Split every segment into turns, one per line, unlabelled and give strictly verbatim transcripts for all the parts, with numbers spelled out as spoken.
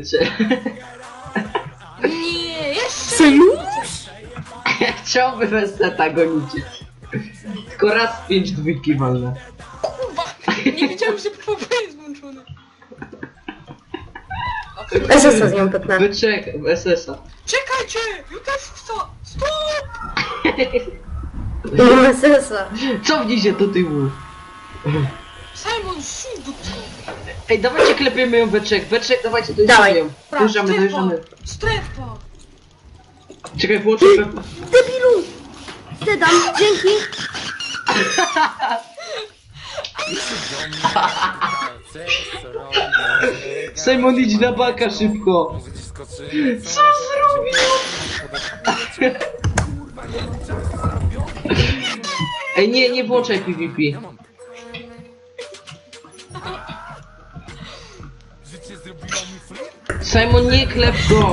Bycze.
Nie, jeszcze
Synuś?
Chciałby bez seta gonicie. Tylko raz pięć dwójki walne.
kurwa. Nie wiedziałem, że P V P jest włączony.
S S a z nią pyknę.
Byczek, S S a.
Czekajcie! Ja też chcę! Stop!
Mam S S a.
Cofnij się do tyłu.
Simon, szum do tyłu.
Ej, dawajcie klepiemy ją Beczek. Beczek, dawajcie
Dawaj.
dojeżdżamy. Dojeżdżamy, dojeżdżamy.
Strefa!
Czekaj, włączę Pepa.
Debilu! Ty dam, dzięki!
Simon, idź na baka szybko. Co zrobił? Ej, nie, nie włączaj P V P. Simon, nie klep go.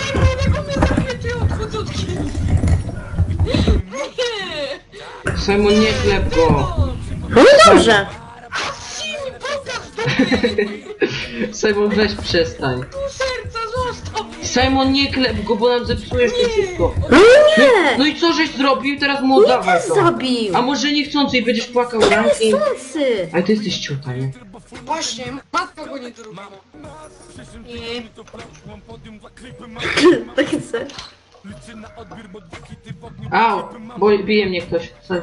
Simon, nie klep go.
No dobrze!
Simon, weź przestań.
Serca, zostaw mnie!
Simon, nie klep go, bo nam zepsujesz to wszystko.
No nie!
No i co żeś zrobił? Teraz mu oddawaj to.
Zabił!
A może niechcący i będziesz płakał
Bez
rankiem?
sensy!
Ale ty jesteś ciuta, nie?
Właśnie, matka go nie druga. Nie.
Takie co?
Au, bo bije mnie ktoś. Sorry.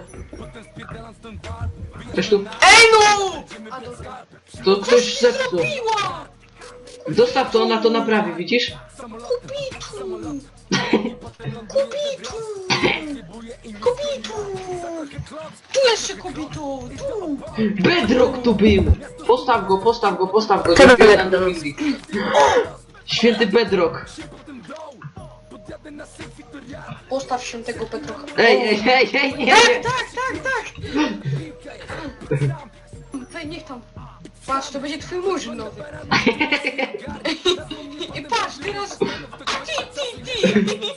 Ktoś tu?
Ej no! A dobra.
To ktoś zepsuł.
Piła!
Zostaw to, ona to naprawi, widzisz?
Kubitu! Kubitu! Kubitu! Tu jeszcze kubitu! Tu!
Bedrock tu był! Postaw go, postaw go, postaw go.
Czemu
Zrobiłem
Bedrock?
nam music. Święty Bedrock.
Postaw się tego Petrocha.
Ej, ej, ej, ej, nie,
Tak,
nie.
tak, tak, tak! Ej, niech tam. Patrz, to będzie twój murzyn nowy. I patrz, teraz... Ti, ti, ti!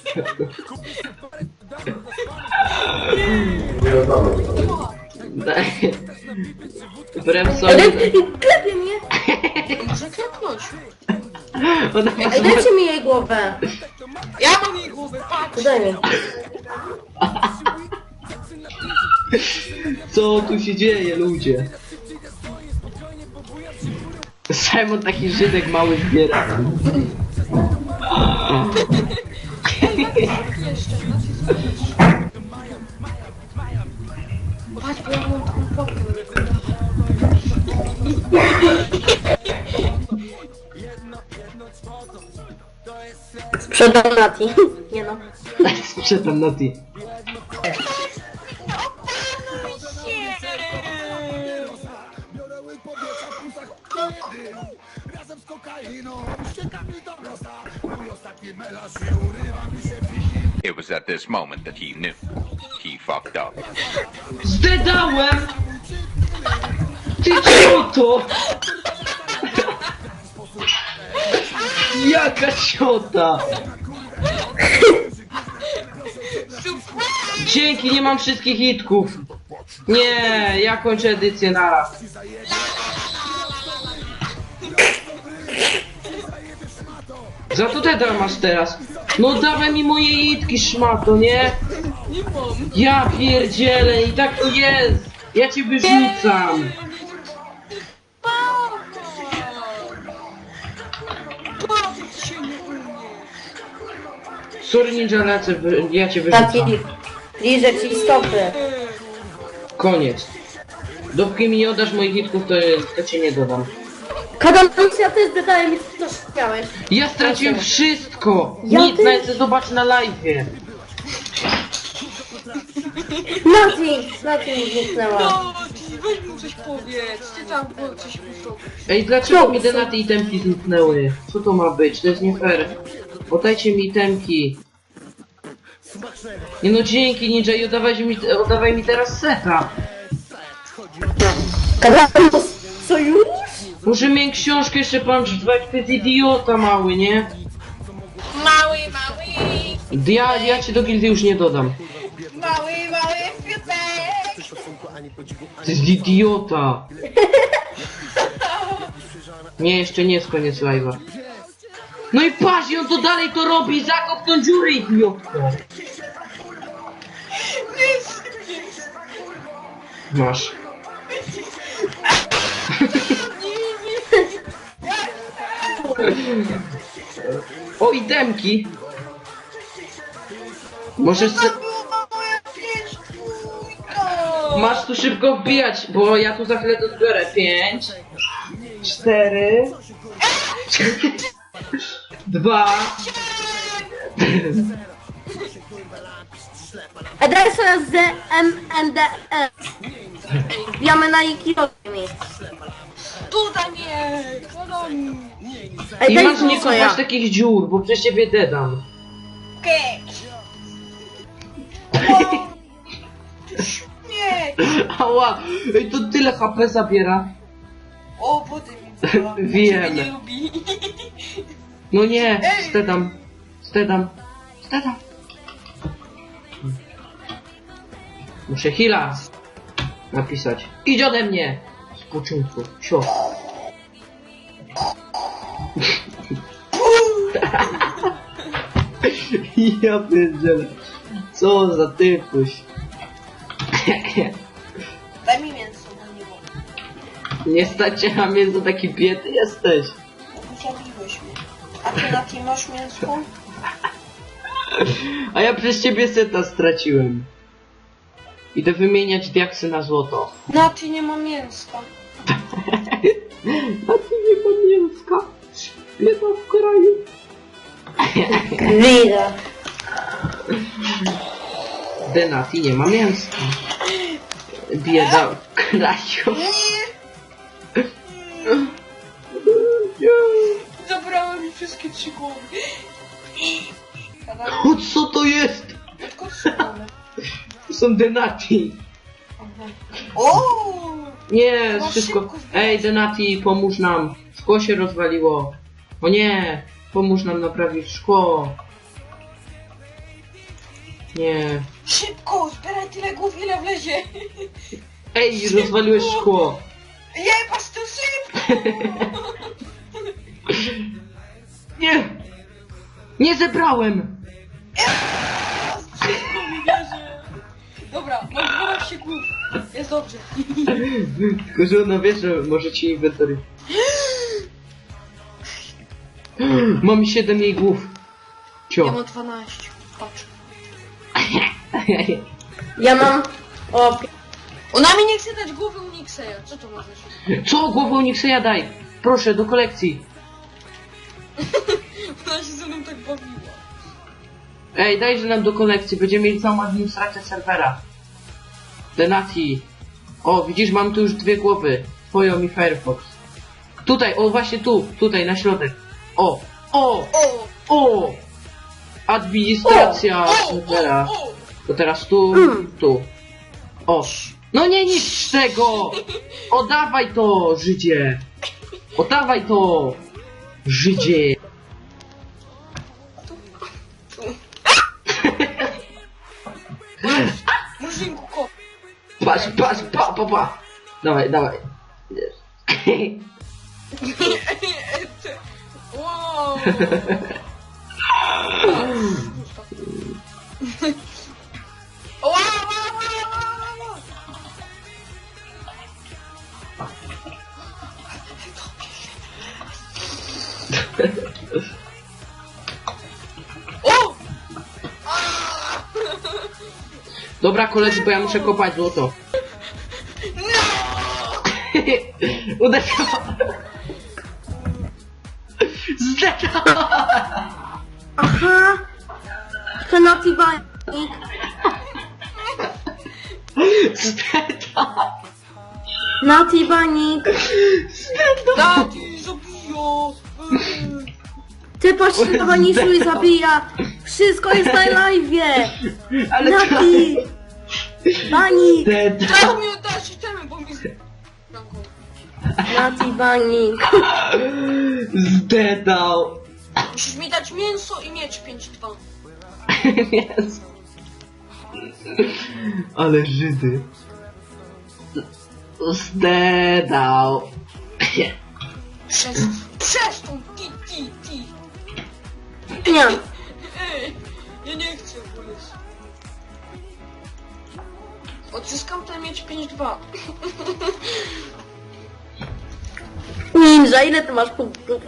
Daj. Bremson.
Ej, klepie mnie!
Może klepnąć.
Ona ma
Ej, dajcie mi jej głowę!
Ja mam jej głowę, patrz!
To daj mi.
Co tu się dzieje, ludzie? Simon taki Żydek mały zbiera.
Jeszcze, nacisk. Patrz, bo ja mam taką popkę.
Sprzedam Nati. Nie no.
Sprzedam na ty.
It was at this moment that he knew. He fucked up.
Zdedałem! Ty cioto! Jaka ciota! Dzięki, nie mam wszystkich hitków. Nie, ja kończę edycję naraz. Za to teda masz teraz. No dawaj mi moje hitki, szmato, nie?
Nie mam.
Ja pierdzielę i tak to jest. Ja cię wyrzucam.
Bawić się nie umiesz.
Sorry Ninja, lecę, wy- ja cię
Nati,
wyrzucam.
liżę ci stopy.
Koniec. Dopóki mi nie oddasz moich hitków, to, to cię nie dodam.
Kadalcja też dodaje mi co chciałeś.
Ja straciłem
Proszę.
wszystko!
Ja
Nic,
też.
nawet chcę zobaczyć na live'ie.
Nati! Nati mi zniknęła.
No, ty weź mu coś powiedz. Ty tam było coś mu zrobić.
Ej, dlaczego
Co?
mi te na te itemki zniknęły? Co to ma być? To jest nie fair. Oddajcie mi itemki. Nie no, dzięki Ninja i oddawaj mi, oddawaj mi teraz seta.
Kadalus! Co już?
Muszę mieć książkę jeszcze pan drzwać, to jest idiota mały, nie?
Mały, mały,
Ja, ja cię do gildii już nie dodam.
mały, mały kwiatek.
To jest idiota. Nie, jeszcze nie jest koniec live'a. No i patrz, i on to dalej to robi, zakop tą dziurę, idiotko.
Jest!
Masz. O, itemki. Możesz se... Masz tu szybko wbijać, bo ja tu za chwilę to zbiorę. Pięć, cztery, dwa.
E, daj sobie z M N D E. Wbijamy na Ikiomi.
Tutaj mnie! Kolonii!
Ej,
I
daj
masz nie
mi soja.
kopać takich dziur, bo przez ciebie dedam.
Okej! Nie!
Ała, ej, to tyle H P zabiera.
O, wody mi była.
Wiem.
Ciebie nie lubi.
No nie,
Ej!
stedam, stedam, stedam. Muszę heala napisać. Idź ode mnie! Z początku, sio. Ja pierdzielę. Co za typuś.
Daj mi mięso na niego.
Nie stać cię na mięso, taki biedny jesteś.
Zabiłeś mnie. A ty na tym masz mięsko?
A ja przez ciebie seta straciłem. Idę wymieniać diaksy na złoto.
Na ty nie ma mięska.
A ty nie ma mięska. Bieda w kraju.
Widać.
Denati nie ma mięska. Bieda w kraju.
Zabrałem mi wszystkie trzy głowy.
O, co to jest?
Tylko trzy głowy.
To są Denati.
O!
Nie,
No
wszystko.
szybko zbierać.
Ej, Denati, pomóż nam. Szkło się rozwaliło. O nie, pomóż nam naprawić szkło. Nie.
Szybko, zbieraj tyle głów, ile wlezie.
Ej, rozwaliłeś szkło.
Jebać to szybko!
Nie! Nie zebrałem!
Szybko mi wierzy. Dobra, mam dwanaście głów. Jest dobrze.
Tylko, że ona wie, że może ci inwentory. Mam siedem jej głów.
Ja
Cio.
mam dwanaście. Patrz.
Ja mam... O, pi-
Ona mi nie chce dać głowy Unikseja. Co to ma znaczyć?
Co? Głowę Nikseja daj! Proszę, do kolekcji.
Ona się ze mną tak bawiła.
Ej, dajże nam do kolekcji, będziemy mieli całą administrację serwera. Denati. O, widzisz, mam tu już dwie głowy. Twoją i Firefox. Tutaj, o właśnie tu, tutaj, na środek. O, o,
O!
o! Administracja
O!
serwera.
O! O!
To teraz tu,
Mm.
tu. O. No nie niszcz tego! Oddawaj to, Żydzie! Oddawaj to, Żydzie!
Murzynku, kot.
Patrz, patrz, pa, pa, pa! Dawaj, dawaj.
Wow! Wow, wow, wow, wow, wow. O!
Dobra, koledzy, bo ja muszę kopać złoto. Uderzyło! Zdechło!
aha. To Naughty Banik.
Zdechło!
Naughty Banik.
Dati, zabijo!
Ty pośredniku i zabija. Wszystko jest na live'ie.
Ale
Naughty Banik.
Zdechło!
Trzeba mi oddać itemy, bo mi...
Naughty Banik.
Zdechł!
Musisz mi dać mięso i miecz pięć dwa.
Jezu. Ale Żydy. Zdedał.
Przez... Przez tą ti, ti, ti.
Nie.
Ej, ja nie chcę polec. Odzyskam ten miecz pięć dwa.
Ninja, ile ty masz punktów?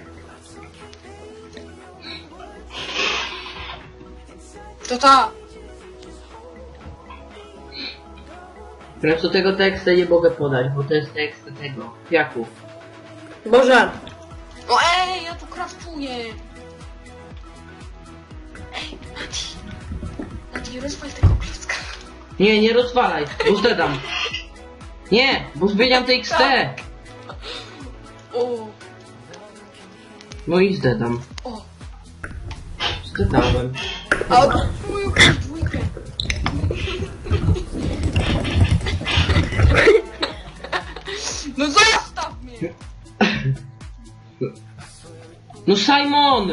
To ta.
Teraz do tego tekstu nie mogę podać, bo to jest tekst tego, kwiaku.
Boże.
O ej, ja tu kraftuję. Ej, Mati. Mati, rozwal tego klocka.
Nie, nie rozwalaj, bo zdedam. Nie, bo zmieniam te X T.
O,
No i zdedam.
o.
Zdedałem.
A od moją dwójkę. No zostaw mnie!
No Simon!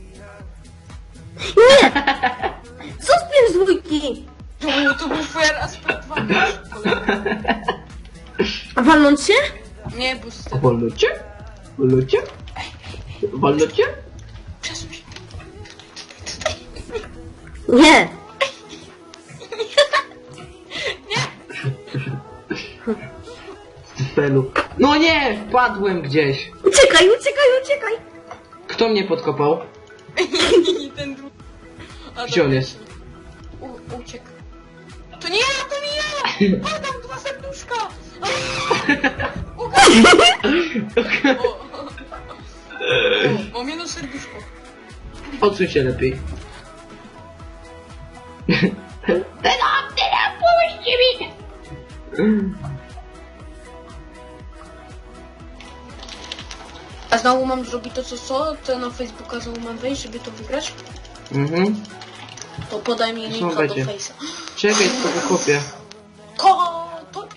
Nie! Co z pięć dwójki?
To był, to był fair aspekt walki.
A walnąć się?
Nie, bo z tego.
Wolnocie? Wolnocie? Wolnocie?
Przesuń się.
Nie.
Felu. No nie! Wpadłem gdzieś.
Uciekaj, uciekaj, uciekaj.
Kto mnie podkopał?
I ten drugi. A,
Gdzie on
dobra.
jest?
U, uciekł. To nie ja, to nie ja! Padam dwa serduszka! Ugaś! O, o, mam jedno serduszko.
Odsuń się lepiej. Teraz, teraz, pomóżcie mi!
A znowu mam zrobić to co co? To na Facebooka znowu mam wejść, żeby to wygrać?
Mhm.
To podaj mi
Co
linka do
będzie?
Face'a.
Czekaj, tylko wykopię.
Ko!